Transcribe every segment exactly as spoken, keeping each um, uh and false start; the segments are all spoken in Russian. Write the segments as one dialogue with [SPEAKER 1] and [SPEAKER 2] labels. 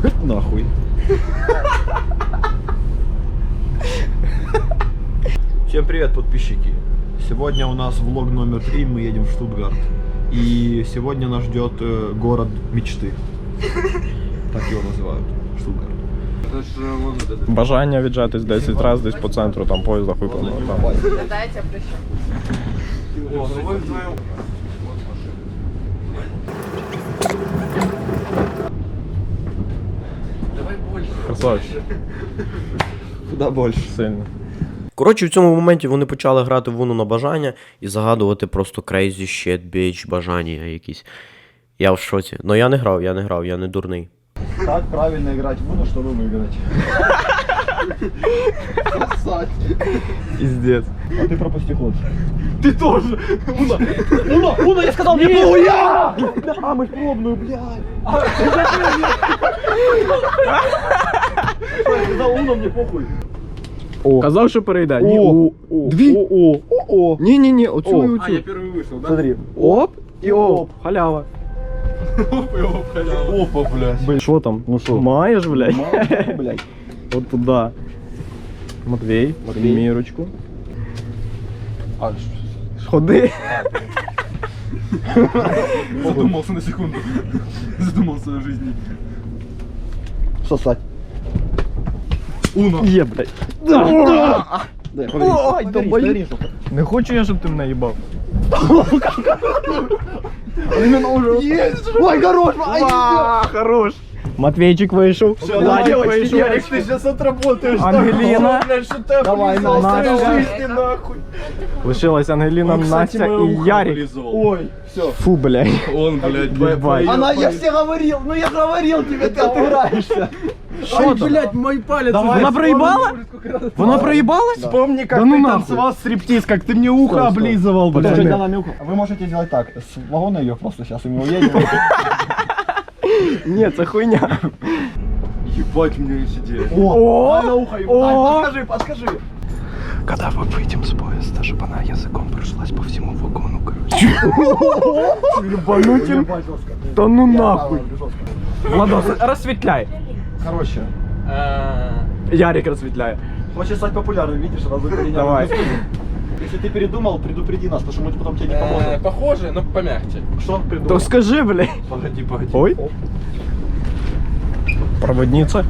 [SPEAKER 1] Нахуй. Всем привет, подписчики. Сегодня у нас влог номер три, мы едем в Штутгарт. И сегодня нас ждет э, город мечты. Так его называют. Штутгарт.
[SPEAKER 2] Бажання віджатись десять разів десь по центру, там поїзд захуплено.
[SPEAKER 3] Дайте я прищу.
[SPEAKER 2] Красавчик.
[SPEAKER 1] Куда больше?
[SPEAKER 2] Сильно.
[SPEAKER 4] Коротше, в цьому моменті вони почали грати в Уну на бажання і загадувати просто crazy shit, bitch, бажання якісь. Я в шоці. Но я не грав, я не грав, я не дурний.
[SPEAKER 1] Как правильно играть в Уну, чтобы выиграть?
[SPEAKER 2] Пиздец.
[SPEAKER 1] А ты пропусти ход.
[SPEAKER 2] Ты тоже!
[SPEAKER 1] Уна! Уна! Уна, я сказал, не могу я! А, мы пробную, блядь! Я сказал, Уна, мне похуй.
[SPEAKER 2] О. Казав, що перейде. Ні,
[SPEAKER 1] О.
[SPEAKER 2] о, о,
[SPEAKER 1] Дві.
[SPEAKER 2] О, о,
[SPEAKER 1] О!
[SPEAKER 2] Ні-ні-ні, оцю і оцю.
[SPEAKER 5] А, я первый вышел, да?
[SPEAKER 1] Смотри.
[SPEAKER 2] Оп і оп.
[SPEAKER 1] Оп.
[SPEAKER 2] Халява.
[SPEAKER 5] Оп, и оп, халява.
[SPEAKER 1] Опа, блядь.
[SPEAKER 2] Що там?
[SPEAKER 1] Ну що?
[SPEAKER 2] Маєш, блядь?
[SPEAKER 1] Мама, блядь.
[SPEAKER 2] От туди. Матвій,
[SPEAKER 1] Матвій.
[SPEAKER 2] мірочку.
[SPEAKER 1] А,
[SPEAKER 2] Ходи.
[SPEAKER 5] Задумался на секунду. Задумался о жизни.
[SPEAKER 1] сосать.
[SPEAKER 5] Уно.
[SPEAKER 2] Є, блядь.
[SPEAKER 1] Дай,
[SPEAKER 2] Ой, долбоёб. Не хочу я, щоб ти мене їбав.
[SPEAKER 1] Ой, хорош!
[SPEAKER 2] А, хорош. Матвейчик вийшов. Владик вийшов.
[SPEAKER 1] Ярик, ты сейчас отработаешь.
[SPEAKER 2] Ангеліна.
[SPEAKER 1] Давай,
[SPEAKER 2] Настя.
[SPEAKER 1] Настя. нахуй.
[SPEAKER 2] Лишилась Ангеліна, Настя і Ярик.
[SPEAKER 1] Ой, все.
[SPEAKER 2] Фу, блядь.
[SPEAKER 5] Он, блядь,
[SPEAKER 2] Ебать.
[SPEAKER 1] Она, я все говорил, ну я говорил тебе, ты отыграешься.
[SPEAKER 2] Що там?
[SPEAKER 5] блядь, мой палец.
[SPEAKER 2] Вона проїбала? Вона проїбалась?
[SPEAKER 1] Вспомни, как
[SPEAKER 2] Да ну
[SPEAKER 1] ты
[SPEAKER 2] нахуй.
[SPEAKER 1] танцевал стриптиз, как ты мне ухо
[SPEAKER 2] Стой, стой.
[SPEAKER 1] облизывал, блядь.
[SPEAKER 2] Пацаны.
[SPEAKER 1] Она мне ухо- Вы можете сделать так, с вагона ее просто сейчас, и мы уедем.
[SPEAKER 2] Ні, це хуйня.
[SPEAKER 5] Ебать, у меня есть идея.
[SPEAKER 2] О!
[SPEAKER 1] Дай на ухо ему.
[SPEAKER 2] О!
[SPEAKER 1] Ай, подскажи, подскажи.
[SPEAKER 2] Когда мы выйдем с поезда, чтобы она языком прошлась по всему вагону, короче. Ебанутин.
[SPEAKER 1] Ебать, жестко.
[SPEAKER 2] Да ну
[SPEAKER 1] Я,
[SPEAKER 2] нахуй.
[SPEAKER 1] давай, жестко.
[SPEAKER 2] Владос, розсвітляй.
[SPEAKER 1] Короче,
[SPEAKER 2] Ярик розсвітляє.
[SPEAKER 1] хочешь стать популярным, видишь, сразу перенял.
[SPEAKER 2] Давай.
[SPEAKER 1] Если ты передумал, предупреди нас, потому что мы потом тебе не поможем.
[SPEAKER 5] Похоже, но помягче.
[SPEAKER 1] Что
[SPEAKER 2] То
[SPEAKER 1] придумал?
[SPEAKER 2] скажи, блядь.
[SPEAKER 5] Погоди, погоди.
[SPEAKER 2] Ой. Проводница.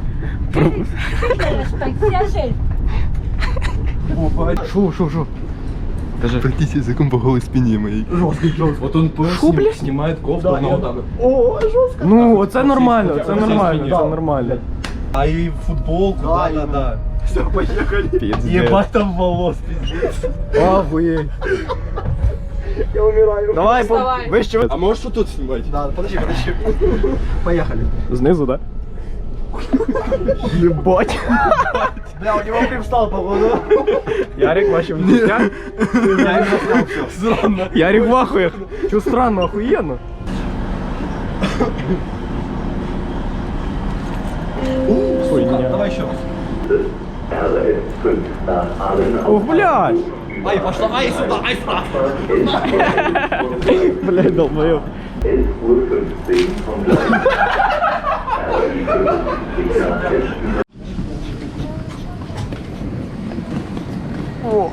[SPEAKER 1] О, погоди.
[SPEAKER 2] Шо, шо, шо. Скажи.
[SPEAKER 5] Пройтись языком по голой спине моей.
[SPEAKER 1] Жесткий, жесткий.
[SPEAKER 5] Вот он
[SPEAKER 2] Фу, блядь.
[SPEAKER 5] снимает кофту,
[SPEAKER 1] Да,
[SPEAKER 5] но
[SPEAKER 1] я-
[SPEAKER 5] вот так вот.
[SPEAKER 1] О, жестко.
[SPEAKER 2] Ну, оце нормально, це
[SPEAKER 5] Ось
[SPEAKER 2] нормально,
[SPEAKER 5] ось
[SPEAKER 2] це нормально.
[SPEAKER 5] А и футболку,
[SPEAKER 1] Да,
[SPEAKER 5] да, да,
[SPEAKER 1] именно.
[SPEAKER 5] да.
[SPEAKER 1] Все, поехали.
[SPEAKER 2] Пиздец.
[SPEAKER 5] Ебать там волос, пиздец.
[SPEAKER 2] Охуеть.
[SPEAKER 1] Я умираю.
[SPEAKER 2] Давай,
[SPEAKER 3] Вставай.
[SPEAKER 2] по... вище.
[SPEAKER 5] А можешь вот тут снимать?
[SPEAKER 1] Да, подожди, подожди. Поехали.
[SPEAKER 2] Знизу, да? Ебать.
[SPEAKER 1] Бля, у него привстал, походу.
[SPEAKER 2] Ярик, бачив життя.
[SPEAKER 1] Я не заснял все.
[SPEAKER 5] Странно.
[SPEAKER 2] Ярик в ахуях. Чё странно, охуенно. Хуйня.
[SPEAKER 1] Давай еще раз.
[SPEAKER 2] О, блядь.
[SPEAKER 1] Ай, пошла, ай, сюда, ай, сюда.
[SPEAKER 2] Блядь, долбоёб. О.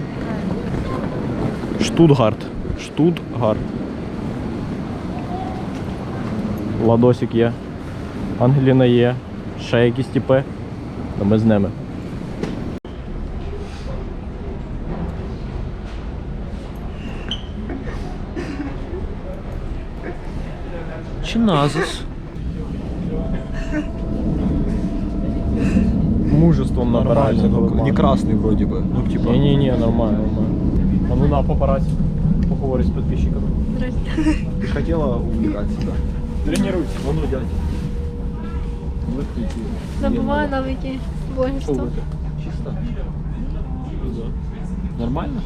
[SPEAKER 2] Штутгарт. Штутгарт. Ладосик є. Ангеліна є. Ще якісь типи. То ми з ними. Чиназис. Мужеством набирается.
[SPEAKER 1] Не красный вроде бы. Ну, типа.
[SPEAKER 2] Не-не-не, нормально, нормально. А ну на папарацци. Поговори с подписчиками.
[SPEAKER 1] Ты хотела увлекаться, да?
[SPEAKER 2] Тренируйся.
[SPEAKER 1] Ну, ну, дядь.
[SPEAKER 6] Забываю навыки блогерства.
[SPEAKER 1] Чисто.
[SPEAKER 2] Нормально?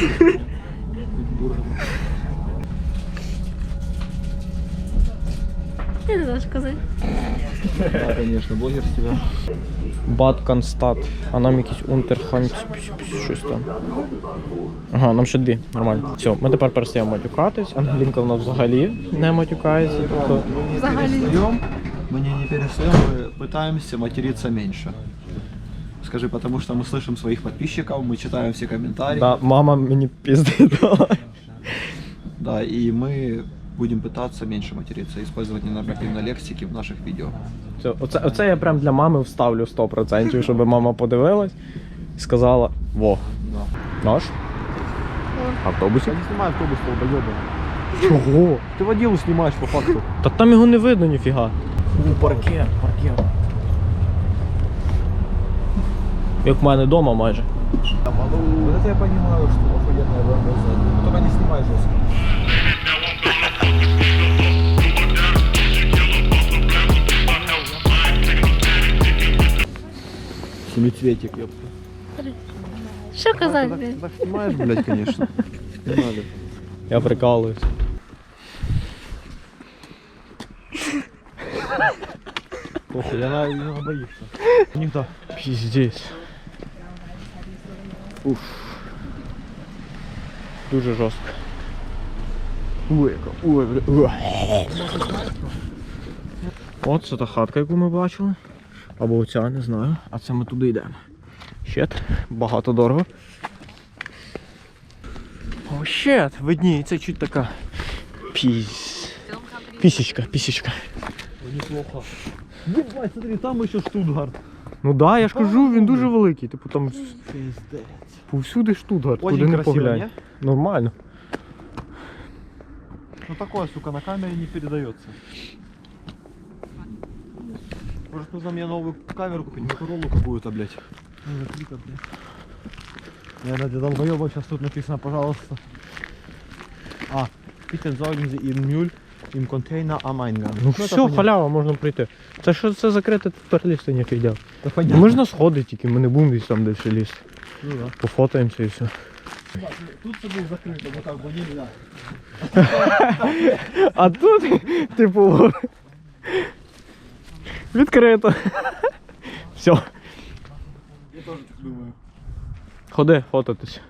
[SPEAKER 6] Я не знаю, що казати.
[SPEAKER 1] Да, конечно, блогер с тебя.
[SPEAKER 2] Батканстат. А нам якийсь унтерханц, щось там. Ага, нам ще дві, нормально. Все, ми тепер перестаємо матюкатись. Ангелінка в нас взагалі не матюкається. Тобто
[SPEAKER 6] Взагалі.
[SPEAKER 1] Встаем Мы не, не перестаем, мы пытаемся материться меньше. Скажи, потому что мы слышим своих подписчиков, мы читаем все комментарии.
[SPEAKER 2] Да, мама мені пізди дала.
[SPEAKER 1] Да, и мы будем пытаться меньше материться, использовать ненормативной лексики в наших видео.
[SPEAKER 2] Все, оце, оце я прям для мами вставлю сто процентів, щоб мама подивилась і сказала: во,
[SPEAKER 1] Да.
[SPEAKER 2] наш? Автобусі?
[SPEAKER 1] Я не снимаю автобус, долбоёбан.
[SPEAKER 2] Чого?
[SPEAKER 1] Ты водилу снимаешь по факту.
[SPEAKER 2] Та там його не видно ніфіга. У, паркет, паркет. Як в мене вдома майже.
[SPEAKER 1] Вот это я понимаю, что охуенная БМВ. Только не снимай жестко. Семицветик, ёпта.
[SPEAKER 6] Що казати?
[SPEAKER 1] Так,
[SPEAKER 6] блядь?
[SPEAKER 1] так снимаешь, блядь, конечно. Не надо.
[SPEAKER 2] Я прикалуюсь.
[SPEAKER 1] Похуй, она, она боится. Никто.
[SPEAKER 2] Піздець. Уф. Дуже жорстко. Ой, яка. Ой, бля. Уа. От це та хатка, яку ми бачили. Або оця, не знаю. А це ми туди йдемо. Щет. Багато дорого. О, щет. Видніється чуть така. Піс. Пісічка, пісічка.
[SPEAKER 1] Неплохо. Ебать, смотри, там еще Штутгарт.
[SPEAKER 2] Ну да, я ж кажу, він дуже великий. Типу там
[SPEAKER 1] Пиздец.
[SPEAKER 2] повсюди Штутгарт,
[SPEAKER 1] Очень
[SPEAKER 2] куди не
[SPEAKER 1] красиво,
[SPEAKER 2] поглянь.
[SPEAKER 1] не?
[SPEAKER 2] Нормально.
[SPEAKER 1] Ну такое, сука, на камере не передается. Может, нужно мне новую камеру купить, Моторолу какую-то, блядь. Наверное, для долбоёба сейчас тут написано, пожалуйста. А, bitte sorgen Sie Ihren Müll im Container am Eingang.
[SPEAKER 2] Ну
[SPEAKER 1] это
[SPEAKER 2] все,
[SPEAKER 1] понятно.
[SPEAKER 2] халява, можна прийти. Це що це закрите, тут туристи ніяк йдять.
[SPEAKER 1] Да понятно.
[SPEAKER 2] Можна сходити тільки, ми не будемо десь там далі лізти.
[SPEAKER 1] Ну да.
[SPEAKER 2] Пофотаємося і все.
[SPEAKER 1] Тут все будет закрыто, вот так бы нельзя.
[SPEAKER 2] А тут, типу, відкрито. Все.
[SPEAKER 1] Я тоже так думаю.
[SPEAKER 2] Ходи, фотатись.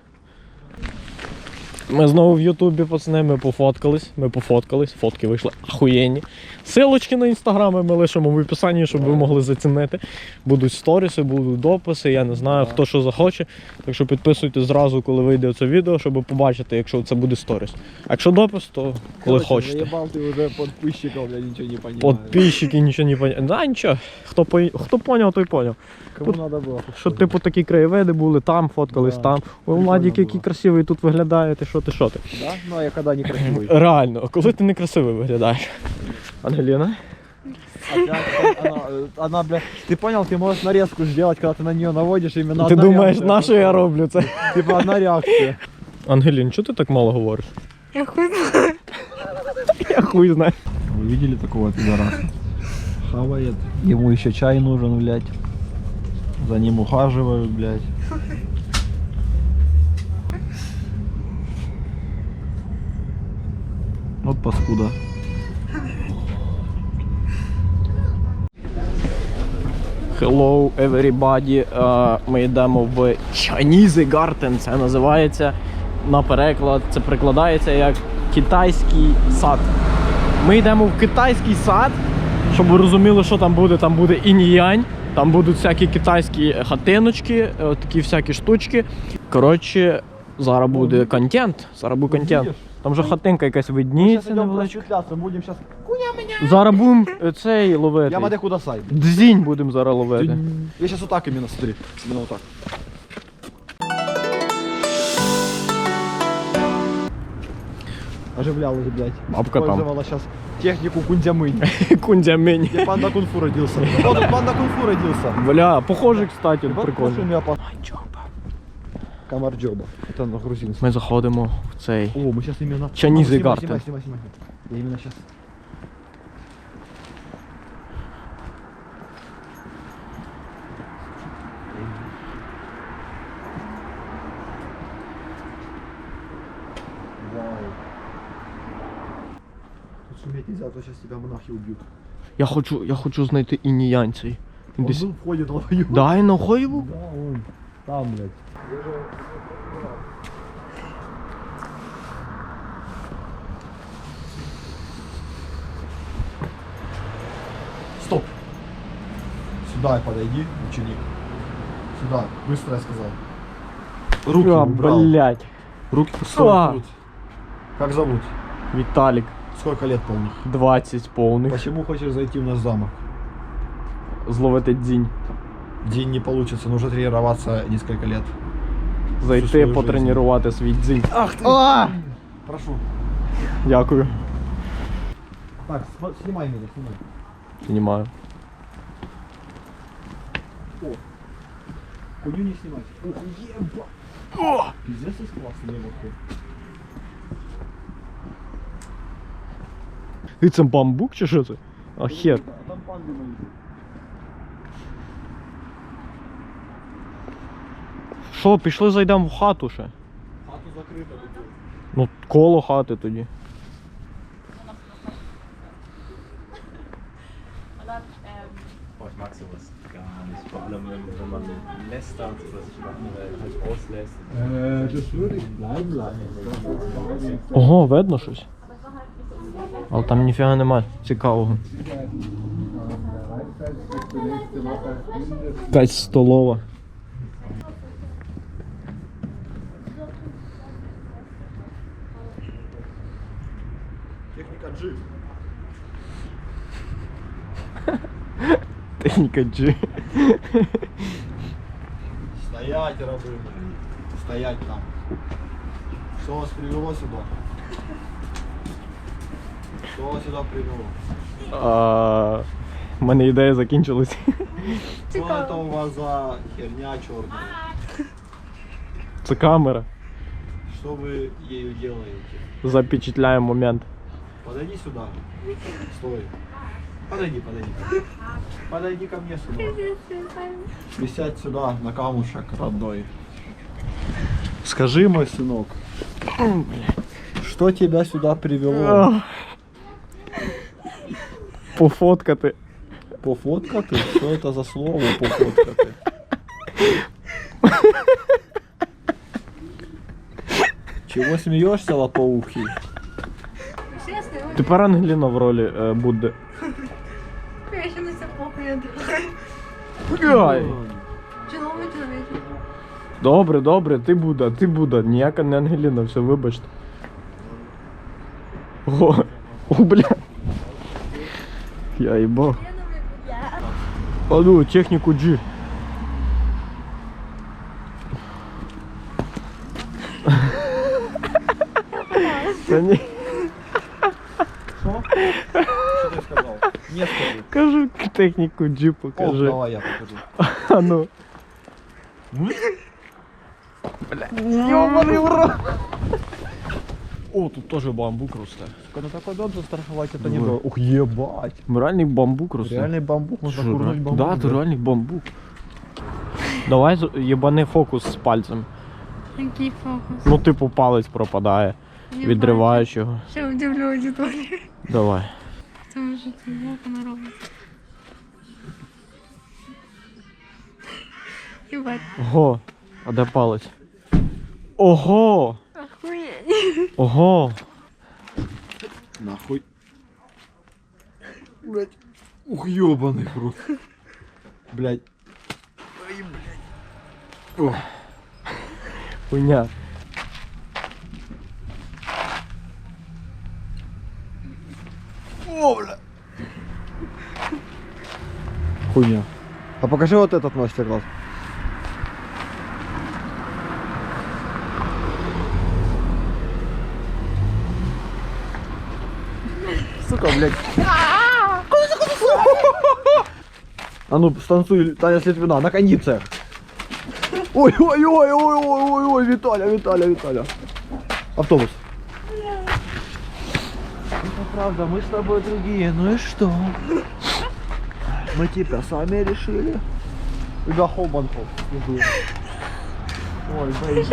[SPEAKER 2] Ми знову в Ютубі, пацани, ми пофоткались, ми пофоткались, фотки вийшли ахуєнні. Силочки на інстаграми ми лишимо в описанні, щоб ви могли зацінити. Будуть сторіси, будуть дописи, я не знаю, хто що захоче. Так що підписуйтесь зразу, коли вийде це відео, щоб побачити, якщо це буде сторіс. А якщо допис, то коли
[SPEAKER 1] Короче,
[SPEAKER 2] хочете.
[SPEAKER 1] заебал ты уже подписчиков, я ничего не понимаю.
[SPEAKER 2] Подписчики нічого не поняли. Да, нічого. Хто, по... Хто поняв, той поняв.
[SPEAKER 1] Кому
[SPEAKER 2] тут-
[SPEAKER 1] надо было.
[SPEAKER 2] Що типу такі краєвиди були, там фоткались,
[SPEAKER 1] Да,
[SPEAKER 2] там. Ой,
[SPEAKER 1] прикольно
[SPEAKER 2] Владик,
[SPEAKER 1] було.
[SPEAKER 2] який красивий тут виглядає, ти що, ти що ти?
[SPEAKER 1] Да? Ну а я когда не красивый.
[SPEAKER 2] Реально, коли ти некрасивий виглядаєш. Ангеліна?
[SPEAKER 1] Опять она, э, она, бля, ты понял, ты можешь нарезку сделать, когда ты на нее наводишь именно
[SPEAKER 2] Ти
[SPEAKER 1] одна
[SPEAKER 2] думаєш,
[SPEAKER 1] реакция.
[SPEAKER 2] на що я роблю це?
[SPEAKER 1] Типа одна реакция.
[SPEAKER 2] Ангелін, чого ти так мало говориш?
[SPEAKER 6] Я хуй знаю.
[SPEAKER 2] Я хуй знаю.
[SPEAKER 1] Вы видели такого пидораса? Хавает. Ему еще чай нужен, блядь. За ним ухаживают, блядь. Вот паскуда.
[SPEAKER 2] Hello everybody. Е, Ми йдемо в Chinese Garden, це називається на переклад. Це перекладається як китайський сад. Ми йдемо в китайський сад, щоб ви розуміли, що там буде. Там буде інь-янь, там будуть всякі китайські хатиночки, е, такі всякі штучки. Коротше, зараз буде контент. Зараз буде контент. Там вже хатинка якась видніється невеличка.
[SPEAKER 1] просветляться, будем сейчас...
[SPEAKER 2] Зараз будемо е, цей ловити.
[SPEAKER 1] Я маде куда сай.
[SPEAKER 2] Дзінь будемо зараз ловити.
[SPEAKER 1] Я сейчас вот так именно, смотри. Именно вот так. Оживлялась, блядь.
[SPEAKER 2] Бабка там.
[SPEAKER 1] Использовала сейчас технику кундямынь.
[SPEAKER 2] Кундямень.
[SPEAKER 1] Где панда кунг-фу родился. Вот тут панда кунг-фу родился.
[SPEAKER 2] Бля, похоже, кстати,
[SPEAKER 1] Вот
[SPEAKER 2] прикольно.
[SPEAKER 1] пошел меня по... Камарджоба. Это на грузинском.
[SPEAKER 2] Ми заходимо в цей.
[SPEAKER 1] О, мы сейчас именно...
[SPEAKER 2] Chinese
[SPEAKER 1] Снимай,
[SPEAKER 2] Garden.
[SPEAKER 1] Снимай, снимай, снимай. Я именно сейчас... Тут шуметь нельзя, а то сейчас тебя монахи убьют.
[SPEAKER 2] Я хочу, я хочу знайти інь-янь цей. Він
[SPEAKER 1] Он
[SPEAKER 2] десь.
[SPEAKER 1] был в ходе долбоёб.
[SPEAKER 2] Да, і на Хоєву?
[SPEAKER 1] Да, он там, блядь.
[SPEAKER 2] Стоп.
[SPEAKER 1] Сюда подойди, ученик. Сюда, быстро я сказал. Руки
[SPEAKER 2] А,
[SPEAKER 1] убрал.
[SPEAKER 2] блядь.
[SPEAKER 1] Руки стой,
[SPEAKER 2] А.
[SPEAKER 1] тут. Как зовут?
[SPEAKER 2] Віталік,
[SPEAKER 1] Сколько лет полных?
[SPEAKER 2] двадцять повних.
[SPEAKER 1] Почему хочешь зайти в наш замок?
[SPEAKER 2] Зловити дзінь.
[SPEAKER 1] День не получится, нужно тренироваться несколько лет.
[SPEAKER 2] Зайти,
[SPEAKER 1] свою
[SPEAKER 2] потренувати свій дзінь.
[SPEAKER 1] Ах ты! Прошу.
[SPEAKER 2] Дякую.
[SPEAKER 1] Так, см- снимай меня, снимай.
[SPEAKER 2] Знімаю.
[SPEAKER 1] Хуйню не снимать. Ух, еба! Пиздец, из класса не
[SPEAKER 2] І це бамбук чи що це? А хер.
[SPEAKER 1] А там панды мои.
[SPEAKER 2] Що, пішли зайдемо в хату ще?
[SPEAKER 1] Хату закрыта.
[SPEAKER 2] Ну, коло хати тоді.
[SPEAKER 7] Oh, ich mag sowas gar nicht. Vor allem, wenn, wenn man lästert oder sich Sachen halt auslässt.
[SPEAKER 1] Äh, das würde ich bleiben lassen.
[SPEAKER 2] Ого, видно щось. Але там ніфіга нема цікавого. Якась столова.
[SPEAKER 1] Техника G.
[SPEAKER 2] Техніка G.
[SPEAKER 1] Стоять, рабы мои. Стоять там. Что вас привело сюда? Что вас сюда привело?
[SPEAKER 2] А, в мене ідея закінчилась.
[SPEAKER 1] Что это у вас за херня черная?
[SPEAKER 2] Це камера.
[SPEAKER 1] Что вы ею делаете?
[SPEAKER 2] Запечатляємо момент.
[SPEAKER 1] Подойди сюда. Стой. Подойди, подойди. Подойди ко мне сюда. Присядь сюда на камушек родной. Скажи, мой сынок, что тебя сюда привело?
[SPEAKER 2] Пофоткати.
[SPEAKER 1] Пофоткаты? Что это за слово пофоткаты? Чего смеешься, лопоухий?
[SPEAKER 2] Тепер Ангеліна в ролі е, буде.
[SPEAKER 6] Я ще не все плохо, я думаю.
[SPEAKER 2] Ай.
[SPEAKER 6] Чоловік, чоловік.
[SPEAKER 2] Добре, добре, ти Буда, ти Буда, ніяка не Ангеліна, все, вибачте. О, о, бля. Я їбав. А ну, техніку G. Та ні,
[SPEAKER 1] Что? Что ты сказал? Не скажи.
[SPEAKER 2] кажу, техніку G
[SPEAKER 1] О,
[SPEAKER 2] покажи.
[SPEAKER 1] давай я покажу.
[SPEAKER 2] А ну. Ёбаный в рот.
[SPEAKER 1] О, тут тоже бамбук росте. Сука, на такой дом застраховать это не было. Ух, ебать.
[SPEAKER 2] Реальний бамбук росте.
[SPEAKER 1] Реальный бамбук, можно
[SPEAKER 2] Що,
[SPEAKER 1] курнуть
[SPEAKER 2] ре-
[SPEAKER 1] бамбук.
[SPEAKER 2] Да, це реальний бамбук. Давай з- єбани фокус з пальцем.
[SPEAKER 6] Який фокус?
[SPEAKER 2] Ну, типу, палець пропадає.
[SPEAKER 6] Не
[SPEAKER 2] Відриваєш його.
[SPEAKER 6] бачу. Ще удивлю аудиторію.
[SPEAKER 2] Давай.
[SPEAKER 6] Це вже це як вона робить. Єбать.
[SPEAKER 2] Ого. А де палець? Ого!
[SPEAKER 6] Охуєть.
[SPEAKER 2] Ого!
[SPEAKER 1] Нахуй. Блять. Ух, ёбаный в рот. Блять.
[SPEAKER 2] Хуйня.
[SPEAKER 1] О, бля. Хуйня. А покажи вот этот мастер-класс. Сука, блядь. А ну, станцуй, Таня Слитвина, на кондициях. Ой, ой, ой, ой, ой, ой, ой, Виталя, Виталя, Виталя. Автобус. Это правда, мы с тобой другие, ну и что? Мы тебя сами решили. Тебя Холбанков. Ой, блин.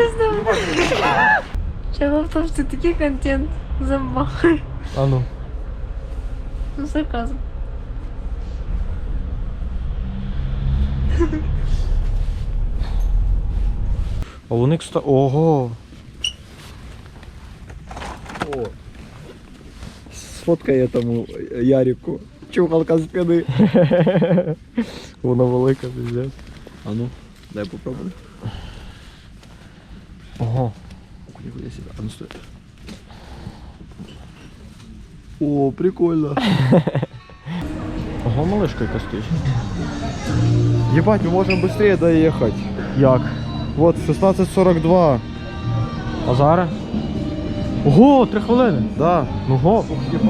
[SPEAKER 6] Чого в тому, що такий контент забахай.
[SPEAKER 2] А ну.
[SPEAKER 6] Ну, сарказм.
[SPEAKER 2] А вони, кстати, ого.
[SPEAKER 1] О. Сфоткай этому Ярику.
[SPEAKER 2] Чухалка з спини. Вона велика, пиздец.
[SPEAKER 1] А ну, дай попробуй.
[SPEAKER 2] Ого.
[SPEAKER 1] Нихуя себе. А ну стой. О, прикольно.
[SPEAKER 2] Ого, малышка яка стоїть.
[SPEAKER 1] Ебать, мы можем быстрее доехать.
[SPEAKER 2] Як?
[SPEAKER 1] Вот, шестнадцать сорок два.
[SPEAKER 2] А зараз? Ого, три хвилини.
[SPEAKER 1] Да.
[SPEAKER 2] Ну го.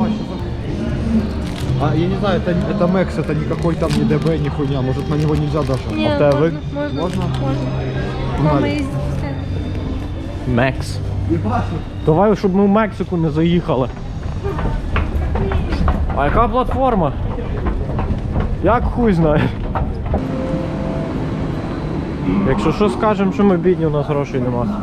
[SPEAKER 1] А, я не знаю, это, это Мэкс, это никакой там не ДБ, ни хуйня. Может, на него нельзя даже.
[SPEAKER 6] Ні,
[SPEAKER 2] А в тебе ви-
[SPEAKER 6] можна,
[SPEAKER 1] Можна?
[SPEAKER 6] можна.
[SPEAKER 1] Погнали.
[SPEAKER 6] Мама їздить постійно.
[SPEAKER 2] Мекс. Давай, щоб ми в Мексику не заїхали. А яка платформа? Як хуй знає. Якщо що скажемо, що ми бідні, у нас грошей нема.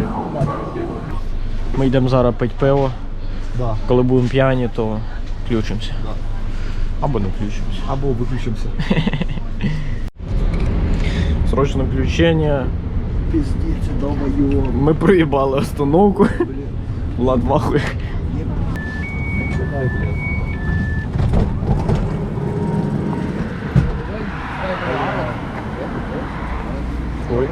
[SPEAKER 2] Ми йдемо зараз пити пиво.
[SPEAKER 1] Да.
[SPEAKER 2] Коли будемо п'яні, то включимося. Або не включимося.
[SPEAKER 1] Або выключимся.
[SPEAKER 2] Срочне включення.
[SPEAKER 1] Пиздец, долбоёб.
[SPEAKER 2] Ми проїбали остановку. Влад вахує. Ой.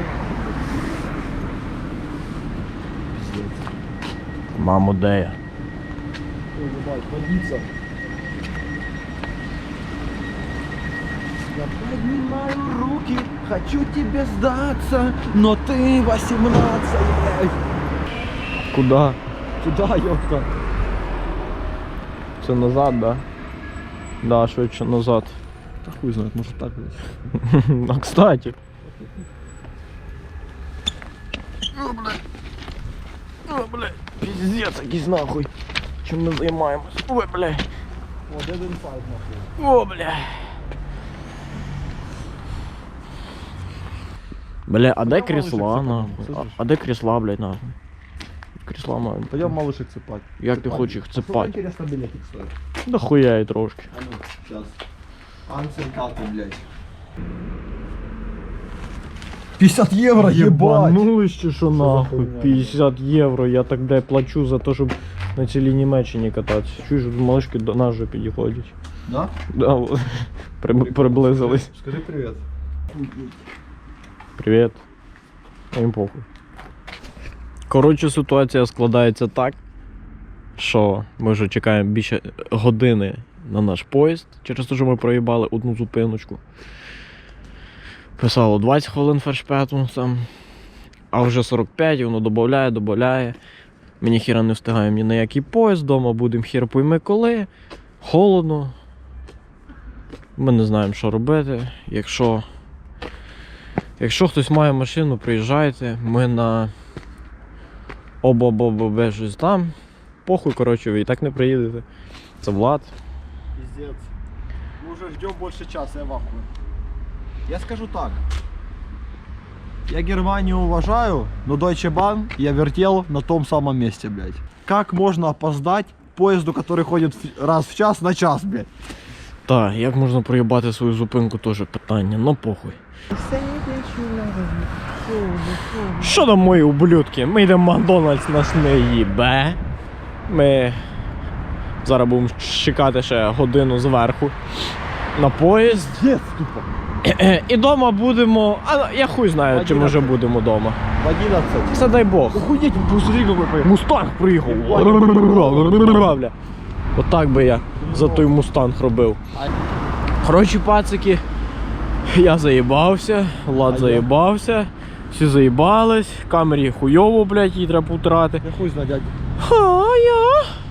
[SPEAKER 2] Мамо, де я?
[SPEAKER 1] Водиться. Я поднимаю руки, хочу тебе сдаться, но ты восемнадцать, блядь.
[SPEAKER 2] Куда?
[SPEAKER 1] Туда, ёпта.
[SPEAKER 2] Це назад, да? Да, швидше назад.
[SPEAKER 1] Да хуй знает, может так, блядь.
[SPEAKER 2] А кстати. О, блядь. О, блядь. Пиздец, якийсь нахуй. Чим ми займаємось? Ой, блядь.
[SPEAKER 1] Вот один файт, нахуй.
[SPEAKER 2] О, бля. Бля, а де крісла, нахуй? А, а де крісла, блядь, нахуй? Крісла мають.
[SPEAKER 1] Пойдем малышек цепать.
[SPEAKER 2] Як ти хочеш їх
[SPEAKER 1] Сколько
[SPEAKER 2] цепати?
[SPEAKER 1] интересно билетик стоит?
[SPEAKER 2] Да хуя і трошки.
[SPEAKER 1] А ну, сейчас. Анцентаты, блядь. пятьдесят евро, ебать!
[SPEAKER 2] Ебанулись чи що нахуй?
[SPEAKER 1] хуйня?
[SPEAKER 2] п'ятдесят євро, я так де плачу за те, щоб на цілій Німеччині кататися. Чуєш, малишки до нас вже підходять.
[SPEAKER 1] Да?
[SPEAKER 2] Да, от. При- приблизились.
[SPEAKER 1] Скажи привет.
[SPEAKER 2] Привіт. А їм похуй. Коротше, ситуація складається так, що ми вже чекаємо більше години на наш поїзд, через те, що ми проїбали одну зупиночку. Писало двадцять хвилин фершпету там, а вже сорок п'ять, і воно додає, додає. Мені хіра не встигаємо ні на який поїзд, вдома будемо хір пойми коли. Холодно. Ми не знаємо, що робити. Якщо Якщо хтось має машину, приїжджайте, ми на обо-бо-бо щось там. Похуй, коротше, ви і так не приїдете. Це Влад.
[SPEAKER 1] Пиздец. Мы уже ждем больше часа, я в ахуе. Я скажу так. Я Германию уважаю, но Deutsche Bahn я вертел на том самом месте, блядь. Как можно опоздать поезду, который ходит в- раз в час на час, блядь?
[SPEAKER 2] Так, як можна проїбати свою зупинку, теж питання, ну похуй. Що там мої ублюдки? Ми йдемо в Макдональдс, нас не їбе. Ми зараз будемо чекати ще годину зверху на поїзд.
[SPEAKER 1] Нет, тупо.
[SPEAKER 2] І дома будемо. А я хуй знаю, чи ми вже будемо дома.
[SPEAKER 1] В одиннадцать.
[SPEAKER 2] Все дай Бог.
[SPEAKER 1] Охуеть, посмотри, какой поехал.
[SPEAKER 2] Мустанг приїхав. Бля. Отак би я за той мустанг робив. Коротше, пацики, я заїбався, Влад заїбався, всі заїбались, камері хуйово, блядь, її треба повтрати.
[SPEAKER 1] Я хуй знаю, дядя.
[SPEAKER 2] А я